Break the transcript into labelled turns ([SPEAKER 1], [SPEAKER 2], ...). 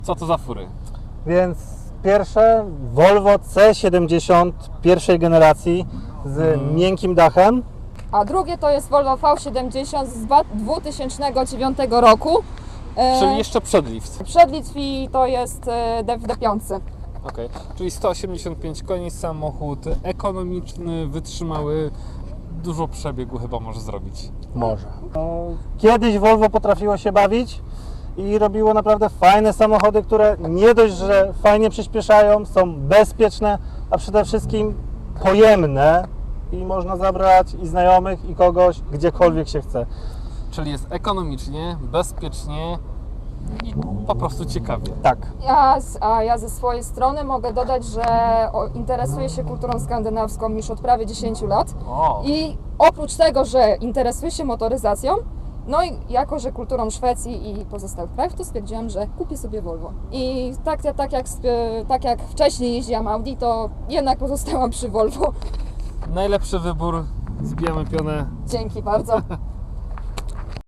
[SPEAKER 1] Co to za fury?
[SPEAKER 2] Więc pierwsze Volvo C70 pierwszej generacji z miękkim dachem.
[SPEAKER 3] A drugie to jest Volvo V70 z 2009 roku.
[SPEAKER 1] Czyli jeszcze przed Lift.
[SPEAKER 3] Przed Litwi to jest w D5.
[SPEAKER 1] Okay. Czyli 185 koni, samochód ekonomiczny, wytrzymały, dużo przebiegu chyba może zrobić.
[SPEAKER 2] Może. Kiedyś Volvo potrafiło się bawić i robiło naprawdę fajne samochody, które nie dość, że fajnie przyspieszają, są bezpieczne, a przede wszystkim pojemne i można zabrać i znajomych, i kogoś, gdziekolwiek się chce.
[SPEAKER 1] Czyli jest ekonomicznie, bezpiecznie i po prostu ciekawie.
[SPEAKER 2] Tak.
[SPEAKER 3] Ja ze swojej strony mogę dodać, że interesuję się kulturą skandynawską już od prawie 10 lat.
[SPEAKER 1] O.
[SPEAKER 3] I oprócz tego, że interesuję się motoryzacją, no i jako, że kulturą Szwecji i pozostałych krajów, to stwierdziłam, że kupię sobie Volvo. I tak jak wcześniej jeździłam Audi, to jednak pozostałam przy Volvo.
[SPEAKER 1] Najlepszy wybór, zbijamy pionę.
[SPEAKER 3] Dzięki bardzo.